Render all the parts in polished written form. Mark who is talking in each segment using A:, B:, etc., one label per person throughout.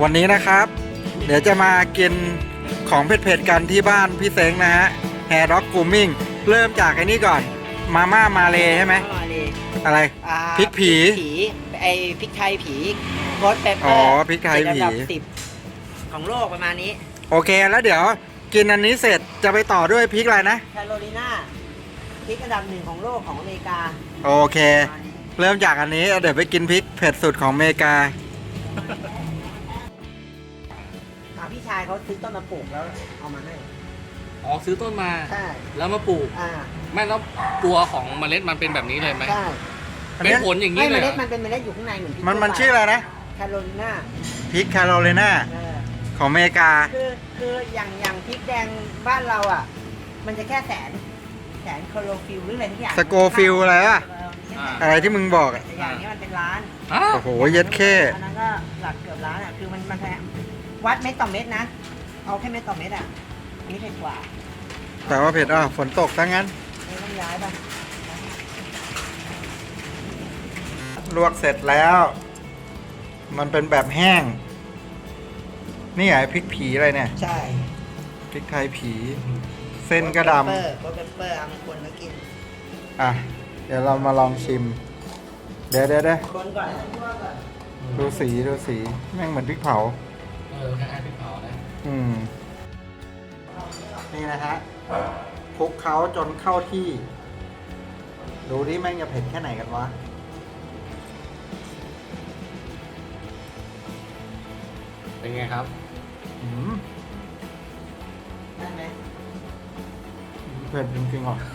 A: วันนี้นะครับ เดี๋ยวจะมากินของเผ็ดๆกันที่บ้านพี่เซ้งนะฮะแฮร์ด็อกกูมิ่งเริ่มจากไอ้นี่ก่อนมาม่ามาเลใช่ไหม
B: มาเลย
A: อะไร พริกผี
B: ไอพริกไทยผีโคตรเปปเป
A: อ๋
B: อ
A: อ
B: ร์
A: พริกไทยผี
B: ระดับ10ของโลกประมาณนี้
A: โอเคแล้วเดี๋ยวกินอันนี้เสร็จจะไปต่อด้วยพริกอะไรนะ
B: แคโรไลนาพริกอันดับ1ของโลกของอเมริกา
A: โอเค เริ่มจากอันนี้เดี๋ยวไปกินพริกเผ็ดสุดของอเมริกา
B: พี่ชายเขาซื้อต้นมาปลูกแล้วเอามาให้
C: อ๋อซื้อต้นมา
B: ใช่
C: แล้วมาปลูก
B: อ่า
C: ไม่แล้วตัวของเมล็ดมันเป็นแบบนี้เลยไหม
B: ใช่
C: เป็นผลอย่าง
B: ไม่
C: นี้
B: เม
C: เลยเหร
B: ล็
C: อ
B: ดมันเป็นเมล็ดอยู่ข้างในเหมือนพริก
A: มันชื่ออะไรนะ
B: แคโรไลนา
A: พริกแคโรไลนา
B: เออ
A: ของอเมริกา
B: คืออย่างพริกแดงบ้านเราอ่ะ มันจะแค่แสนโคโลฟิลหรืออะไรทุกอย่าง
A: สโกฟิลอะไรวะ
B: อ่า
A: อะไรที่มึงบอกอะ
B: แต่อย่างนี้มันเป็นล้าน
C: อ้าว
A: โอ้โหเย็ดเข้
B: อันนั้นก็หลักเกือบล้านอ่ะ คือมันแพงวัดเม็ดต่อเม็ดนะ เอาแค่เม็ดต่อเม็ดอ่ะนี่เผ็ดกว่า
A: แต่ว่าเผ็ดฝนตกซะงั้น
B: ไม่ต้องย้ายป่ะ
A: ลวกเสร็จแล้ว มันเป็นแบบแห้ง นี่ไงพริกผีอะไรเนี่ย
B: ใช่
A: พริกไทยผี เส้นก็ด
B: โคเปอร์เอามาคนมากิน
A: ำอ่ะ เดี๋ยวเรามาลองชิม เดี๋ยว
B: คนก่อนคั่วก่อน
A: ดูสีแม่งเหมือนพริกเผา
C: คล้ายๆพริกเผานะ
A: อืม นี่นะฮะคลุกเขาจนเข้าที่ ดูดิแม่งจะเผ็ดแค่ไหนกันวะ
C: เป็นไงครับ
A: อืม
B: ได้ไหม
A: เผ็ดจริงๆหรอ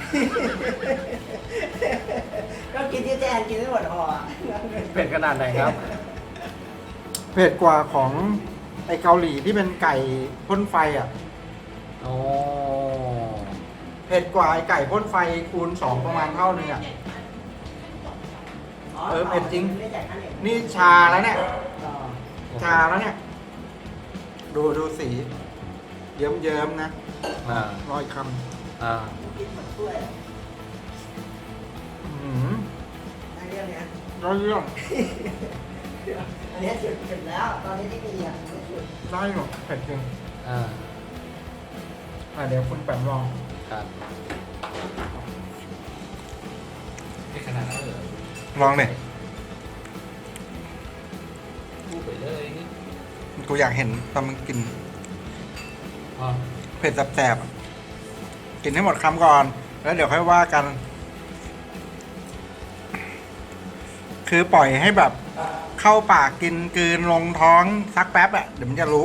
B: ก็กินที่แจนกินไม่หมดห่ออะ
C: เป็นขนาดไหนครับ
A: เผ็ดกว่าของไอเกาหลีที่เป็นไก่พ่นไฟอ่ะ
C: โอ้
A: เผ็ดกว่าไอไก่พ่นไฟคูณ 2ประมาณเท่านึงอ่ะ เออเผ็ดจริง
B: ไม่จ่ายค่าเน็ต
A: นี่ชาแล้วเนี่ย
B: ต่อ
A: ชาแล้วเนี่ย ดูสี เยิ้มๆนะ
C: อ่าร
A: อยค
C: อ่า
B: กินหมดถ้วย
A: ำ
B: ได้เรื่องเนี้ย
A: ได้เรื่อง
B: อันนี้จุดแล้ว ตอนนี้ที่มีอ่ะไม่จุด
A: ได้หรอเผ็ดจริง
C: อ่า
A: เดี๋ยวคุณแปมลอง
C: ครับเป็นขนาดนั้นเลย
A: ลองเลย
C: พูดไปเลยนี่
A: กูอยากเห็นตอนมึงกิน
C: อ๋อ
A: เผ็ดแสบๆอะกินให้หมดคำก่อน แล้วเดี๋ยวค่อยว่ากัน คือปล่อยให้แบบเข้าปากกินกลืนลงท้องสักแป๊บอะเดี๋ยวมันจะรู้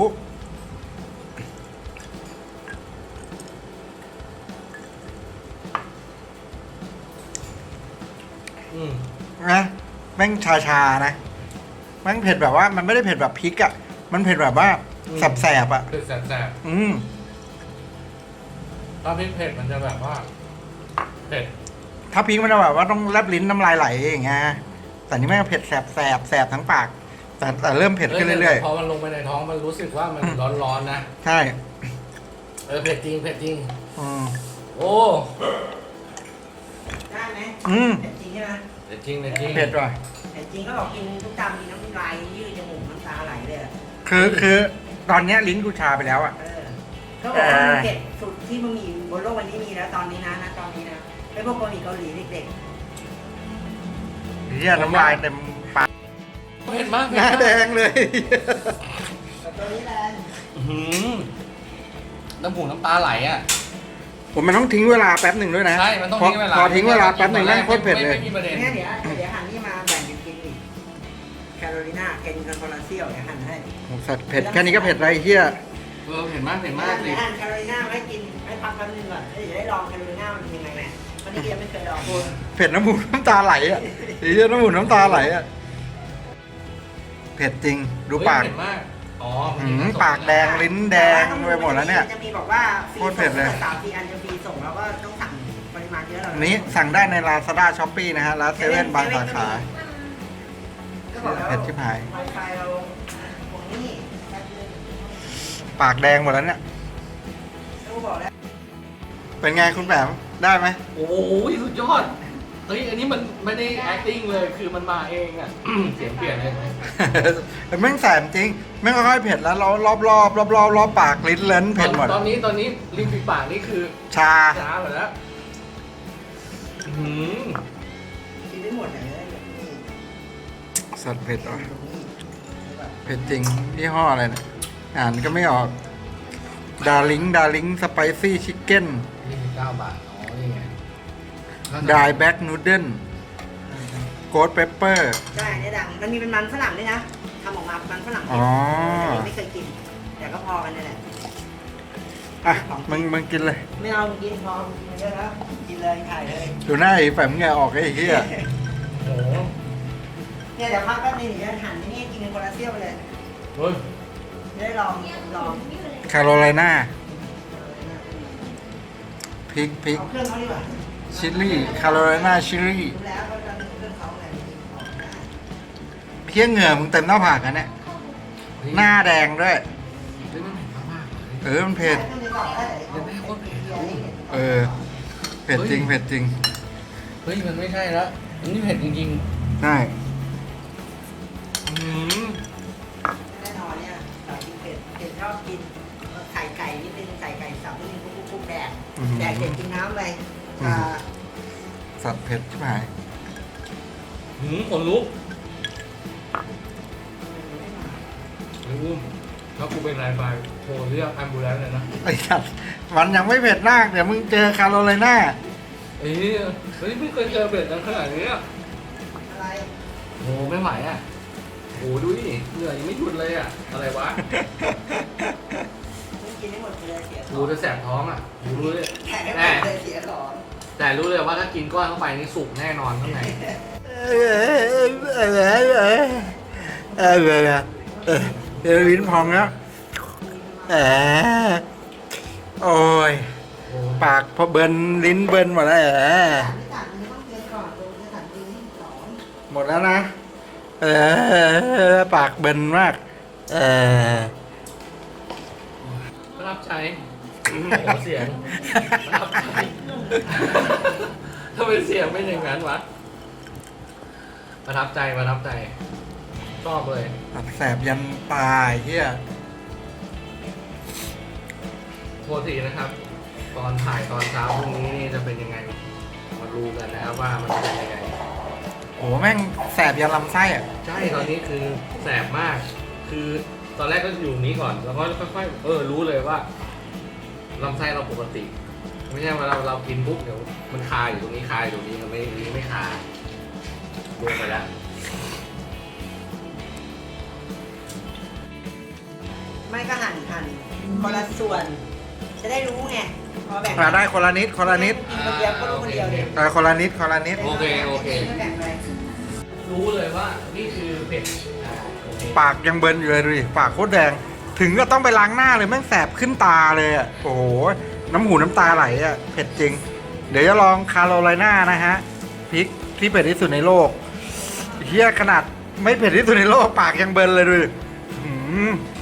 C: อืม
A: นะแม่งชาๆนะแม่งเผ็ดแบบว่ามันไม่ได้เผ็ดแบบพริกอะมันเผ็ดแบบว่าแสบๆอะ
C: คือแสบ
A: อืม
C: ๆถ้าพริกเผ็ดมันจะแบบว่า เผ็ด
A: ถ้าพริกมันจะแบบว่าต้องแลบลิ้นน้ำลายไหลอย่างเงี้ยแต่นี่แม่งเผ็ดแสบทั้งปาก แต่เริ่มเผ็ดขึ้นเรื่อย
C: พอมันลงไปในท้องมันรู้สึกว่ามันร้อนๆนะ
A: ๆใช่
C: เผ็ดจริงเผ็ดจริง
A: อืม
C: โอ้
B: ได้ไหม
A: อืม
B: เผ็ดจริงใช่ไหม
C: เผ็ดจริงเผ็ดจริง
A: เผ็ดว่ะ
B: เผ็ดจริงก็บอกกินทุกจำกินน้ำลายยืดจมูกน้ำตาไหลเลยอะ
A: คือตอนเนี้ยลิ้นกูชาไปแล้วอะ
B: เขาบอกว่ามันเผ็ดสุดที่มันมีบนโลกวันนี้มีแล้วตอนนี้นะตอนนี้นะไอ้พวกเกาหลีเด็ก
A: เฮียน้ำลายเต็มปาก
C: เผ็ดมาก
A: หน้าแดงเลย
B: ๆแต่ตัวนี้แหละ
C: อื้อหือน้ำหูน้ำตาไหลอ่ะ
A: ผมมันต้องทิ้งเวลาแป๊บหนึ่งด้วยนะ
C: ใช่ มันต้องทิ้งเวลา
A: พอทิ้งเวลาแป๊บหนึ่งแม่งโคตรเผ็ดเลย
C: ไม่มีประเด็น
B: เนี่ยเดี๋ยวหันนี่มาแบ่งกันกินอีกแคโรไลนากินกันคนละเซี่ยวเดี๋ยวหันให้
A: สัตว์เผ็ดแค่นี้ก็เผ็ดไรเฮีย
C: เผ็ดมากเผ็ดมาก
B: เดี๋ยวหันแคโรไลนาให้กินให้พักแป๊บนึงก่อนเดี๋ยวได้ลองแคโรไลนามันเป็นยังไงแม่วันนี้ยังไม่เคยลอง
A: เผ็ดน้ำมูกน้ำตาไหลอะเฮียน้ำมูกน้ำตาไหลอะเผ็ดจริงดูปาก
C: เผ็ดมาก อ๋อ
A: ปากแดงลิ้นแดงไปหมดแล้วเนี่ย
B: จะมีบอกว่าฟรี
A: โคตรเผ็ดเลย
B: 3-4 อันจะฟรีส่งแล้วก็ต้องสั่งปริมาณเยอะเรา
A: อันนี้สั่งได้ใน Lazada Shopee นะฮะร้านเซเว่นบางสาขา
B: ก็บอกแล้ว
A: เผ็ดชิบหาย
B: ไวไฟเราตรงนี้แป๊บนึง
A: ปากแดงหมดแล้วเนี่ย
B: เขาบอกแล้ว
A: เป็นไงคุณแปมได้ไหม
C: โอ้ยสุดยอดเฮ้ยอันนี้มันไม่ได้ acting เลยคือมันมาเองอ่ะ เสียงเปลี่ยนเลยไหม
A: แม่งแสบจริงแม่งค่อยๆเผ็ดแล้วรอบปากลิ้นเลนเผ็ดหมด
C: ตอนนี้ริมฝีปากนี่คือ
A: ชา
C: ช้าหมดแล้วอื้อหือ
B: กินได้หมดเลย
A: สัตว์เผ็ดเหรอเผ็ดจริงยี่ห้ออะไรเนี่ยอ่านก็ไม่ออกดาริงสไปซี่ชิคเก้น
C: 29 บาทอ๋อนี่ไง
A: ดายแบ็กนูเดิลโกดเปปเปอร์
B: ใช่เนี่ยดังมันมีเป็นมันฝรั่งด้วยนะทำออกมาเป็นมันฝรั่ง
A: อ๋อ
B: แต่ไม่เคยกิน แต่ก็พอกันนี่แหละ
A: อ่ะมึงกินเลย
B: ไม่เอากินพอกินเยอะแล้วกินเลยถ่ายเลย
A: ดูหน้าไอ้แฝมเหงาออกไอ้เหี้ย
C: โอ้โห
B: เนี่ยเดี๋ยวพักแป๊บนึงเดี๋ยวจะหั่นนี่กินเป็นคนละเซี่ยวไปเลย
C: เฮ้ย
B: จะได้ลอง
A: คาโรไลนาพริก
B: เอาเครื่องเขาดีกว่า
A: ชิลลี่คาโรไลนาชิลลี่
B: รู้แล้วก็จะเครื่องเขาไง
A: เพี้ยเหงื่อมึงเต็มหน้าผากกันเนี่ยหน้าแดงด้วย
C: เฮ้ยมันเผ็ดมากๆเลย
A: มันเผ็ด
B: เครื่องนี้ก่อนได้เลย
C: เดี๋ยวแม่โคตรเผ็ดเลย
A: เผ็ดจริง
C: เฮ้ยมันไม่ใช่แล้วอันนี้เผ็ดจริง
A: ใช่
C: ๆอื้อหือ
B: แน่นอนเนี่ยสายกินเผ็ดเผ็ดชอบกินไข่ไก่นิดนึงไก่สับนิดนึงคุกแดกแดกเผ็ดกินน้ำไป
A: สัตว์เผ็ดใช่ไหม
C: หืมขนลุกไอ้อุ้มถ้ากูเป็นไรไปโทรเรียกแอมบูเลนซ์เลยนะ
A: ไอ้สัตว์มันยังไม่เผ็ดมากเดี๋ยวมึงเจอคาโรไลนา
C: เฮ้ยไม่เคยเจอเผ็ดขนาดนี้อ่ะ
B: อะไร
C: โอ้ไม่ไหวอ่ะโอ้ดูดิเหนื่อยยังไม่หยุดเลยอ่ะอะไรวะ
B: กินได้หมดเลยเสียข
C: กู
B: อง
C: จะแสบท้องอ่ะกูรู้เลย
B: แข่ไม่หมดเลยเสียของ
C: แต่รู้เลยว่าถ้ากินก้อนเข้าไปนี่สุกแน่นอนข้างใน
A: ลิ้นพองแล้วโอ้ยปากพอเบิร์นลิ้นเบิร์นหมดแล้ว
B: ไม่ต่างมันต้องเกินก่อนดูจะสั่งจริงสอง
A: หมดแล้วนะปากเบิร์นมาก
C: ประทับใจโอ้โหเสียงประทับใจทำไมเสียงเป็นอย่างนั้นวะประทับใจชอบเลย
A: แสบยันตายเฮีย
C: โทษทีนะครับ ตอนถ่ายตอนเช้าพรุ่งนี้นี่จะเป็นยังไงมาดูกันนะครับว่ามันจะเป็นยังไง
A: โอ้แม่งแสบยันลำไส้อ่ะ
C: ใช่ตอนนี้คือแสบมาก คือตอนแรกก็อยู่นี้ก่อนแล้วก็ค่อยๆรู้เลยว่าลำไส้เราปกติ ไม่ใช่ว่าเรากินปุ๊บเดี๋ยวมันคาอยู่ตรงนี้คาอยู่ตรงนี้มันไม่คาลงไปแล้ว
B: ไม่ก็หั่นคนละส่วน จะได้รู้ไงพอแบ่ง
A: ได้คนละนิดคนละนิด
B: กินคนเดียวก็รู้คนเดียวเดียว
A: คนละนิดคนละนิด
C: โอเค
B: แบ่งไป
C: รู้เลยว่านี่คือเผ็ดโอเค
A: ปากยังเบิร์นอยู่เลยดูดิปากโคตรแดงถึงก็ต้องไปล้างหน้าเลยแม่งแสบขึ้นตาเลยอ่ะโอ้โหน้ำหูน้ำตาไหลอ่ะเผ็ดจริง เดี๋ยวจะลองคาโรไลนานะฮะพริกที่เผ็ดที่สุดในโลกเฮียขนาดไม่เผ็ดที่สุดในโลกปากยังเบิร์นเลยดูดิ